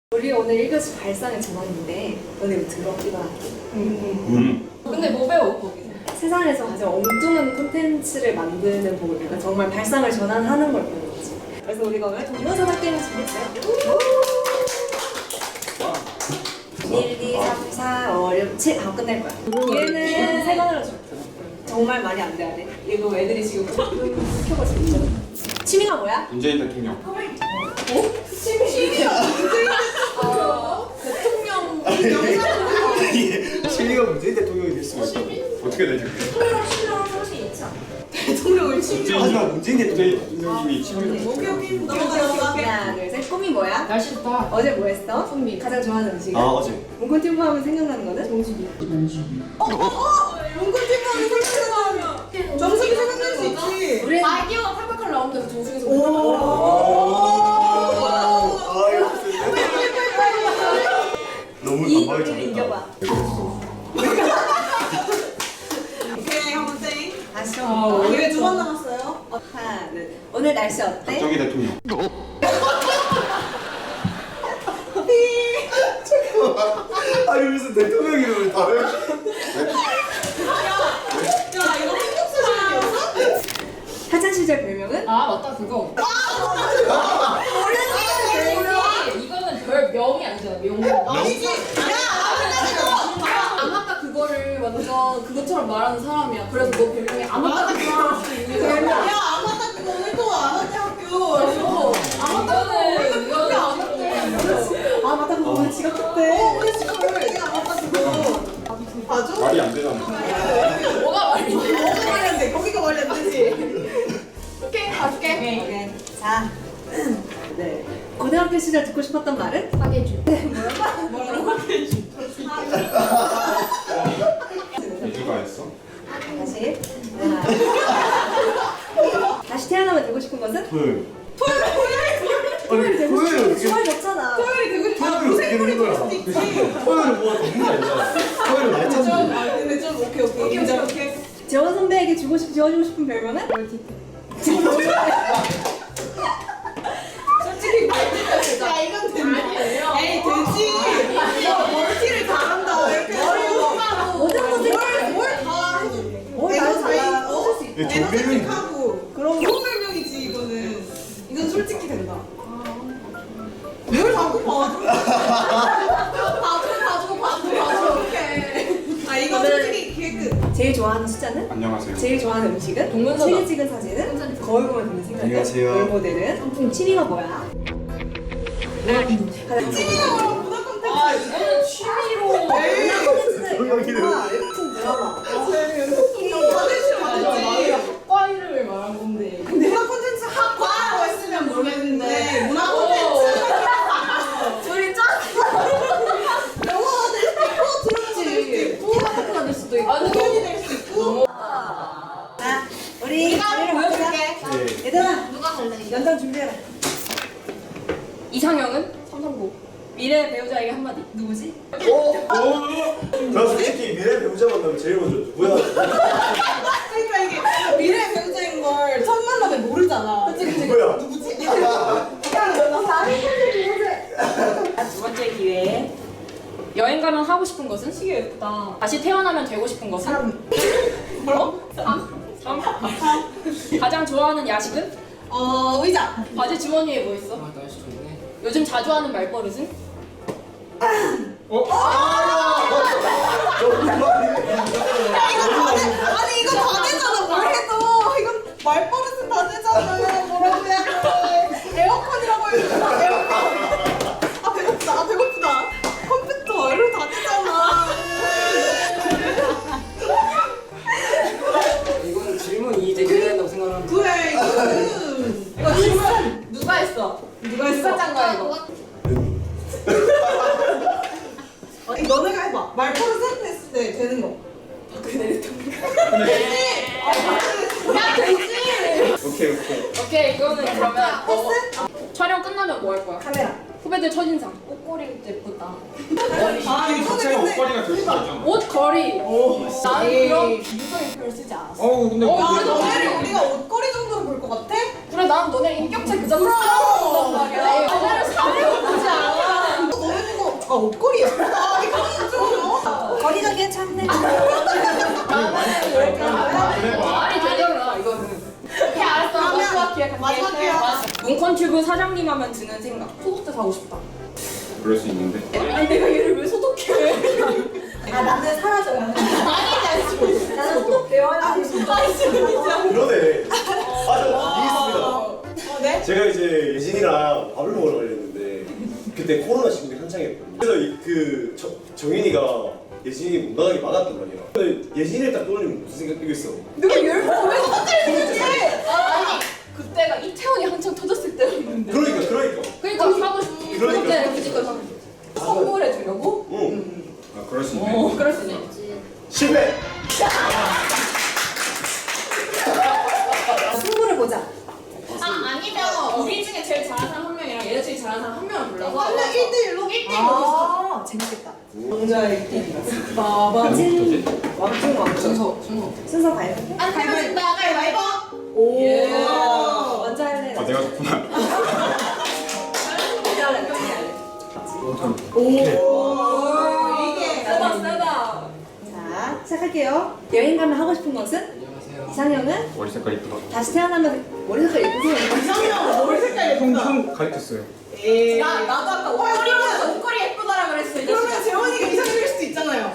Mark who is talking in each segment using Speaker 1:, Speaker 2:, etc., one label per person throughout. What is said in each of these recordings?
Speaker 1: 우리 오늘 1교시 발상의 전환인데 너네 이거 들어? 이거
Speaker 2: 근데 뭐 배워 거기서?
Speaker 1: 세상에서 가장 엉뚱한 콘텐츠를 만드는 법을 그러니까 정말 발상을 전환하는 걸 배우는 거지. 그래서 우리가 오늘 동영상 게임을 준비했어요. 1, 2, 3, 4, 5, 6, 7 하고 끝낼 거야. 얘는 세 번으로 줄 거야. 정말 말이 안 돼야 돼. 이거 애들이 지금 켜고 있거든. 취미가 뭐야?
Speaker 3: 문재인 대통령.
Speaker 1: 취미가 대통령
Speaker 4: 실리가 문재인 대통령이 될 수가 있다고.
Speaker 3: 어떻게 되죠?
Speaker 1: 취미랑 소식이 있지 않아?
Speaker 2: 대통령을 취미로.
Speaker 4: 하지만 문재인 대통령.
Speaker 3: 대통령님이 취미로.
Speaker 2: 오케이
Speaker 1: 하나, 둘, 셋. 꿈이 뭐야?
Speaker 2: 날씨 좋다.
Speaker 1: 어제 뭐 했어?
Speaker 2: 선미.
Speaker 1: 가장 좋아하는 음식은?
Speaker 4: 아 어제.
Speaker 1: 몽골티브 하면 생각나는 거는?
Speaker 2: 정수기.
Speaker 5: 몽골팀 하면 생각나면 정수기 생각날 수 있지.
Speaker 1: 우리
Speaker 2: 아이디어가 팔팔팔 나오는데 그 정수기에서
Speaker 4: 아 이거 너무
Speaker 1: 이
Speaker 4: 단박에
Speaker 1: 노래를 이겨봐.
Speaker 5: 오케이 한번 땡.
Speaker 1: 아쉬워.
Speaker 5: 왜 두 번 남았어요?
Speaker 1: 하나, 둘. 오늘 날씨 어때?
Speaker 3: 박정희 대통령.
Speaker 4: 아니 무슨 대통령 이름을 다른?
Speaker 5: 야 이거 한국 수준이었어?
Speaker 1: 학창 시절 별명은?
Speaker 2: 아 맞다 그거. 이거는 별 명이 아니잖아 명.
Speaker 5: 아니지.
Speaker 2: 안 맞다 그거를 완전 그것처럼 말하는 사람이야. 그래서 너 별명이 안 맞다 그거를 수 있는 사람이야.
Speaker 5: 야 아마타 그거 오늘도 아마타 학교.
Speaker 2: 안 맞다는 이거는 안 맞다.
Speaker 1: 아 맞다 그거 오늘 지각했대.
Speaker 5: 우리 친구들 되게 아마타 그거. 봐줘?
Speaker 3: 말이 안 되잖아.
Speaker 2: 뭐가 말이지?
Speaker 5: 뭐가 말이 안 돼? 거기가 말이 안 되지.
Speaker 2: 오케이 가줄게.
Speaker 1: 오케이. 자. 네. 고등학교 시절 듣고 싶었던 말은?
Speaker 2: 사계주.
Speaker 3: 누가 했어?
Speaker 1: 다시. 하나. 다시 태어나면 되고 싶은 것은?
Speaker 4: 토요일.
Speaker 1: 토요일 되고 싶은
Speaker 4: 토요일
Speaker 1: 거 주말 됐잖아.
Speaker 5: 토요일이 되고 싶어.
Speaker 4: 토요일 어떻게 되는 거야? 토요일은 뭐가 되는 게 아니잖아. 토요일 날짜인데.
Speaker 5: 아 근데 좀 오케이 인정. 오케이.
Speaker 1: 재원 선배에게 지어주고 싶은 별명은?
Speaker 5: 솔직히 말지가 야 이건 된다. 에이 되지. 야 멀티를 잘한다. 이렇게
Speaker 1: 모든 것을
Speaker 5: 뭘다 해줘.
Speaker 1: 뭘
Speaker 5: 에너지
Speaker 1: 다
Speaker 5: 어?
Speaker 4: 이게 정배명인데?
Speaker 5: 에너지틱하고 그런 좋은 별명이지 이거는. 이건 솔직히 된다. 뭘 자꾸 봐줘. 봐줘. 오케이. 아 이건 솔직히 기획끝.
Speaker 1: 제일 좋아하는 숫자는?
Speaker 3: 안녕하세요.
Speaker 1: 제일 좋아하는 음식은?
Speaker 2: 동문서다.
Speaker 1: 책에 찍은 사진은? 거울 보면 드는 생각은?
Speaker 4: 안녕하세요.
Speaker 1: 롤모델은? 취미가 뭐야?
Speaker 5: 찐이가 뭐라고 문화 콘텐츠.
Speaker 2: 아 이거는 취미로.
Speaker 5: 에이.
Speaker 4: 대통령이래.
Speaker 1: 웹툰 드라마
Speaker 5: 이거 다들 싫어.
Speaker 2: 나이가 학과 이름을 말한 건데.
Speaker 5: 문화 콘텐츠 학과라고 했으면 모르겠는데 문화 콘텐츠
Speaker 1: 둘이 짱!
Speaker 5: 영화가 될 수도 있고 드라마가 될 수도 있고
Speaker 2: 학교가 될 수도 있고.
Speaker 5: 공연이 될 수도 있고
Speaker 1: 자, 우리 자리를 바꾸자.
Speaker 4: 네.
Speaker 1: 얘들아,
Speaker 2: 누가 갈래?
Speaker 1: 연장 준비해라.
Speaker 2: 이상형은? 삼성고. 미래 배우자에게 한마디.
Speaker 1: 누구지?
Speaker 4: 나 솔직히 미래 배우자 만나면 제일 먼저 누구야?
Speaker 5: 그러니까 이게 미래 배우자인 걸 첫 만남에 모르잖아
Speaker 4: 누구야?
Speaker 5: 누구지?
Speaker 1: 두 번째 기회.
Speaker 2: 여행 가면 하고 싶은 것은? 시계 예쁘다. 다시 태어나면 되고 싶은 것은?
Speaker 5: 뭐라고?
Speaker 2: 3. 가장 좋아하는 야식은?
Speaker 5: 의자
Speaker 2: 바지 주머니에 뭐 있어?
Speaker 6: 아 날씨 좋네.
Speaker 2: 요즘 자주 하는 말버릇은?
Speaker 5: 아니 이거 다 되잖아 뭘 해도 이건 말버릇은 다 되잖아 뭐라고 해야 돼 에어컨이라고 해도 에어컨 아 배고프다 컴퓨터 이런 거 다 되잖아
Speaker 6: 이거는 질문이 이제 해야 된다고 생각하는.
Speaker 5: 그래 이거는
Speaker 2: 이거 질문 누가 했어?
Speaker 5: 누가 했어?
Speaker 2: 짠 거야 이거?
Speaker 5: 아니 너네가 해봐 말버릇 했을 때 되는 거
Speaker 2: 야 되지!
Speaker 3: 오케이.
Speaker 2: 오케이 이거는 그러면 촬영 끝나면 뭐 할 거야?
Speaker 1: 카메라.
Speaker 2: 후배들 첫인상. 옷걸이 예쁘다.
Speaker 5: 아 이거는
Speaker 3: 자체가
Speaker 5: 근데
Speaker 3: 옷걸이가 될 수가 있잖아.
Speaker 2: 옷걸이. 나는 그런 비유적인 표현을 쓰지 않았어.
Speaker 3: 근데
Speaker 2: 그래도
Speaker 5: 너네를 우리가 옷걸이 정도로 볼 것 같아?
Speaker 2: 그래 난 너네 인격체 그 자체로 사랑한단 말이야. 너네를 사랑하지 않아.
Speaker 1: 3만에 찾는
Speaker 2: 말이 되잖아 이거는. 오케이 알았어. 마지막 기회 갈게.
Speaker 5: 마지막 기회.
Speaker 2: 문컨튜브 사장님 하면 드는 생각. 소독제 사고 싶다.
Speaker 3: 그럴 수 있는데.
Speaker 2: 아니 내가 얘를 왜 소독해?
Speaker 1: 아 나는 사라져요.
Speaker 2: 아니지.
Speaker 1: 나는 소독되어야 돼.
Speaker 4: 그러네. 저 이해했습니다.
Speaker 5: 네?
Speaker 4: 제가 이제 예진이랑 밥을 먹으러 가려는데 그때 코로나 시국이 한창이었거든요. 그래서 정인이가 예진이 못 나가게 막았단 말이야. 근데 예진이를 딱 떠올리면 무슨 생각 들겠어?
Speaker 2: 내가 열번 왜 소독제를 아니 그때가 이태원이 한창 터졌을 때였는데.
Speaker 4: 그러니까.
Speaker 2: 그러니까 사고 싶지.
Speaker 4: 그러니까.
Speaker 2: 소독제를 무조건 사고 싶지. 선물해 주려고?
Speaker 4: 응.
Speaker 3: 아 그럴 수 있네.
Speaker 2: 그럴 수 있네.
Speaker 4: 실패.
Speaker 1: 승부를 보자.
Speaker 2: 아니면 우리 중에 제일 잘하는 사람 한 명이랑 얘네 중에 잘하는 사람 한 명을 불러서
Speaker 5: 원래 1대1로?
Speaker 2: 1대1로
Speaker 1: 아 재밌겠다.
Speaker 5: 왕자의 게임.
Speaker 1: 찐 왕중
Speaker 2: 순서.
Speaker 1: 순서 가위바위보.
Speaker 2: 안 가르친다 가위바위보.
Speaker 1: 오.
Speaker 2: 예.
Speaker 1: 먼저 할래.
Speaker 3: 아 내가 좋구나.
Speaker 1: 먼저 할래. 같이 할래.
Speaker 5: 이게
Speaker 2: 세다.
Speaker 1: 자 시작할게요. 여행 가면 하고 싶은 것은?
Speaker 6: 안녕하세요.
Speaker 1: 이상형은?
Speaker 3: 머리 색깔 이쁘다.
Speaker 1: 다시 태어나면 머리 색깔 예쁘세요.
Speaker 5: 이상형 머리 색깔 예쁘다.
Speaker 3: 형 가르쳤어요.
Speaker 5: 에이.
Speaker 2: 나도 아까 옷걸이 예쁘다라 그랬어. 이
Speaker 5: 그러면
Speaker 2: 자식아.
Speaker 5: 재원이가 이상형일 수도 있잖아요.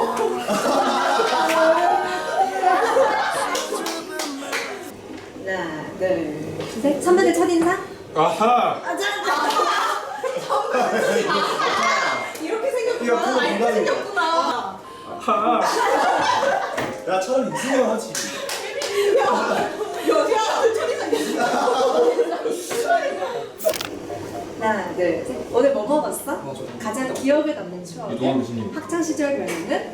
Speaker 1: 하나, 둘, 셋. 선배들 첫인상?
Speaker 3: 아하.
Speaker 5: 이렇게
Speaker 4: 이거
Speaker 5: 생겼구나.
Speaker 4: 그거
Speaker 5: 이렇게
Speaker 4: 농담이야.
Speaker 5: 생겼구나.
Speaker 3: 아하.
Speaker 4: 야 차라리 이승현 하지.
Speaker 5: 야, 천이상이야.
Speaker 1: 하나, 둘, 셋. 오늘 뭐 먹었어?
Speaker 6: 저도.
Speaker 1: 가장 기억에 남는 추억.
Speaker 3: 이동환 교수님.
Speaker 1: 학창 시절 별명은?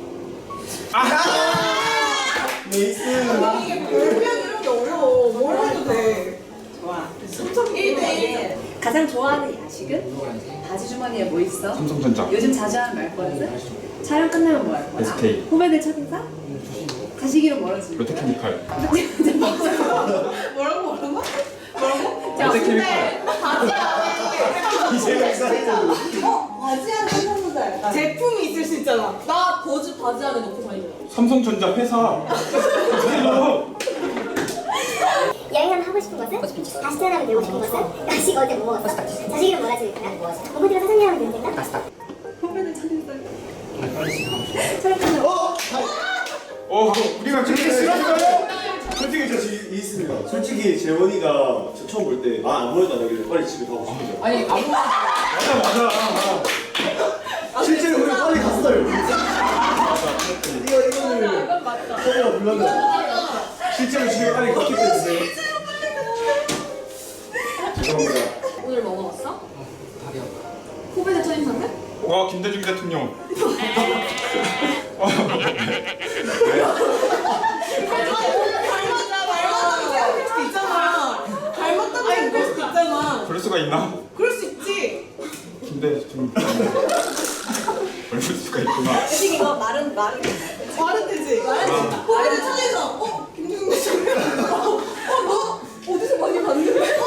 Speaker 4: 네이스.
Speaker 5: 이게 별명 이런 게 어려워. 뭘 해도 돼.
Speaker 1: 좋아.
Speaker 5: 1대1.
Speaker 1: 가장 좋아하는 야식은?
Speaker 6: 먹어야지.
Speaker 1: 바지 주머니에 뭐 있어?
Speaker 3: 삼성전자.
Speaker 1: 요즘 자주 하는 말버릇은? 촬영 끝나면 뭐 할 거야?
Speaker 3: SK.
Speaker 1: 후배들 첫인상? 자식 이름 뭐라지?
Speaker 3: 롯데케미칼.
Speaker 5: 뭐라고?
Speaker 2: 자,
Speaker 3: 롯데케미칼.
Speaker 4: 이재명 사이즈.
Speaker 1: 바지한 생각보다 약간
Speaker 5: 제품이 있을 수 있잖아.
Speaker 2: 나 버즈 바지 안에 넣고 다니잖아.
Speaker 3: 삼성전자 회사.
Speaker 7: 여행하면 하고 싶은 것은? 다시 태어나면 되고 싶은 것은? 야식 어제 뭐 먹었어? 자식 이름 뭐라 지을까? 공부들은 사장님 하면 되는 생각?
Speaker 1: 후배들 첫인상 촬영 끝나면
Speaker 3: 우리가 그렇게 싫어하는
Speaker 4: 솔직히 저 있습니다. 솔직히 재원이가 저 처음 볼 때 아무래도 안 하길래 빨리 집에 가고 싶은데.
Speaker 2: 아니 아무
Speaker 4: 맞아. 실제로 우리 빨리 갔어요. 이거는
Speaker 2: 이건 맞다.
Speaker 4: 서로가 불렀는데 실제로 집에 빨리 갔기 때문에. 죄송합니다.
Speaker 2: 오늘 뭐 먹었어?
Speaker 6: 다리야.
Speaker 2: 후배들 첫인상은?
Speaker 3: 와 김대중 대통령.
Speaker 5: 닮았다고 생각할 수도 있잖아. 닮았다고 생각할 수도 있잖아.
Speaker 3: 그럴 수가 있나?
Speaker 5: 그럴 수 있지.
Speaker 3: 김대중. 그럴 수가 있구나.
Speaker 1: 대신 이거 말은
Speaker 5: 말은 되지. 후배들 천에서 김종국 대통령. 너
Speaker 2: 어디서 많이 봤는데?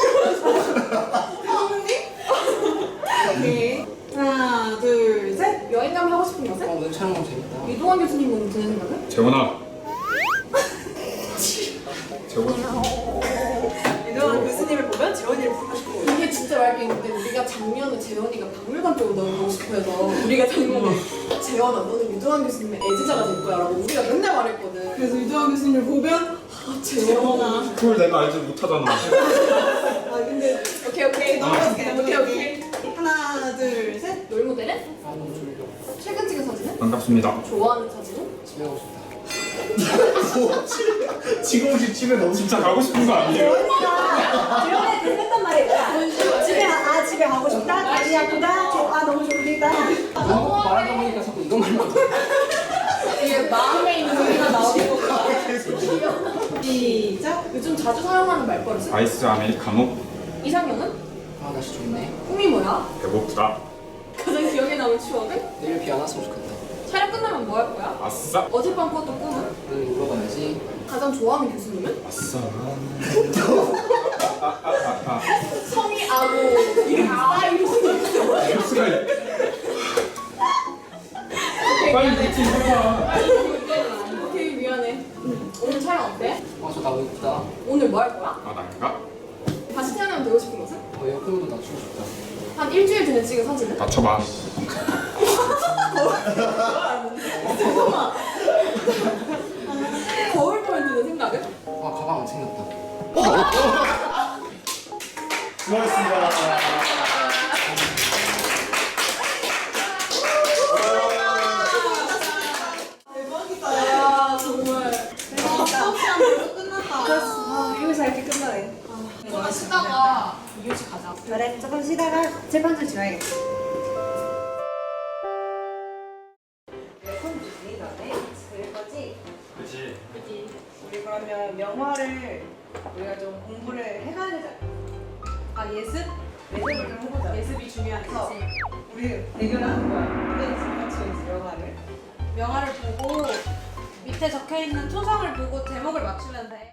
Speaker 5: 대통령님? 오케이. 하나, 둘, 셋.
Speaker 2: 여행 가면 하고 싶은 것은?
Speaker 6: 오늘 촬영 너무 재밌다.
Speaker 2: 이동환 교수님은 드는 생각은?
Speaker 3: 재원아. 재원.
Speaker 1: 이동환 교수님을 보면 재원이를 부르고 싶고
Speaker 2: 이게 진짜 말게 있는데 우리가 작년에 재현이가 박물관 쪽으로 넣어보고 싶어 해서 우리가 작년에 재현아 너는 유도환 교수님의 애지자가 될 거야 라고 우리가 맨날 말했거든.
Speaker 5: 그래서 유도환 교수님을 보면 재원아.
Speaker 3: 그걸 내가 알지 못하잖아.
Speaker 5: 아 근데
Speaker 2: 오케이
Speaker 5: 넘어갈게.
Speaker 2: 오케이.
Speaker 5: 하나, 둘, 셋.
Speaker 2: 롤모델은?
Speaker 6: 아 너무 졸려.
Speaker 2: 최근 찍은 사진은?
Speaker 3: 반갑습니다.
Speaker 2: 좋아하는 사진은?
Speaker 6: 집에 가고 싶다.
Speaker 4: 지금 혹시 집에 너무
Speaker 3: 진짜 가고 싶은 거 아니에요?
Speaker 1: 재원이 계속 했단 말이야. 집에 가고 싶다. 다리 아프다. 너무 졸리다.
Speaker 6: 너무 말하다 보니까 자꾸 이것만 나와.
Speaker 2: 이게 마음에 있는 소리가 나오는 거야.
Speaker 5: 시작.
Speaker 2: 요즘 자주 사용하는 말버릇은?
Speaker 3: 아이스 아메리카노.
Speaker 2: 이상형은?
Speaker 6: 아 날씨 좋네.
Speaker 2: 꿈이 뭐야?
Speaker 3: 배고프다.
Speaker 2: 가장 기억에 남은 추억은?
Speaker 6: 내일 비 안 왔으면 좋겠다.
Speaker 2: 촬영 끝나면 뭐 할 거야?
Speaker 3: 아싸.
Speaker 2: 어젯밤 꿨던 꿈은?
Speaker 6: 오늘 울어가야지.
Speaker 2: 가장 좋아하는 교수님은?
Speaker 3: 아싸.
Speaker 2: 성이 아고 이름이 이러고
Speaker 3: 뉴스가 빨리 미팅 해봐.
Speaker 6: 나.
Speaker 2: 오늘 뭐 할 거야?
Speaker 3: 아 난가?
Speaker 2: 다시 태어나면 되고 싶은 것은?
Speaker 6: 에어컨도 낮추고 싶다.
Speaker 2: 한 일주일 전에 찍은 사진은?
Speaker 3: 맞춰봐.
Speaker 2: 거울 보면 드는 생각은?
Speaker 6: 아 가방 안 챙겼다.
Speaker 4: 수고하셨습니다.
Speaker 5: 대박이다.
Speaker 2: 아 정말
Speaker 5: 수업시간 벌써 끝났다.
Speaker 1: 여기서 이렇게 끝나네.
Speaker 2: 조금 쉬다가 이교시 가자.
Speaker 1: 그래, 조금 쉬다가 재판소 지나야겠다. 컴 주기 전에 그릴 거지?
Speaker 3: 그렇지.
Speaker 1: 우리 그러면 명화를 우리가 좀 공부를 해가야 되잖아.
Speaker 2: 아 예습?
Speaker 1: 예습을 좀 해보자.
Speaker 2: 예습이 중요하지.
Speaker 1: 우리 대결하는 거야. 같이 명화를.
Speaker 5: 명화를 보고 밑에 적혀 있는 초성을 보고 제목을 맞추면 돼.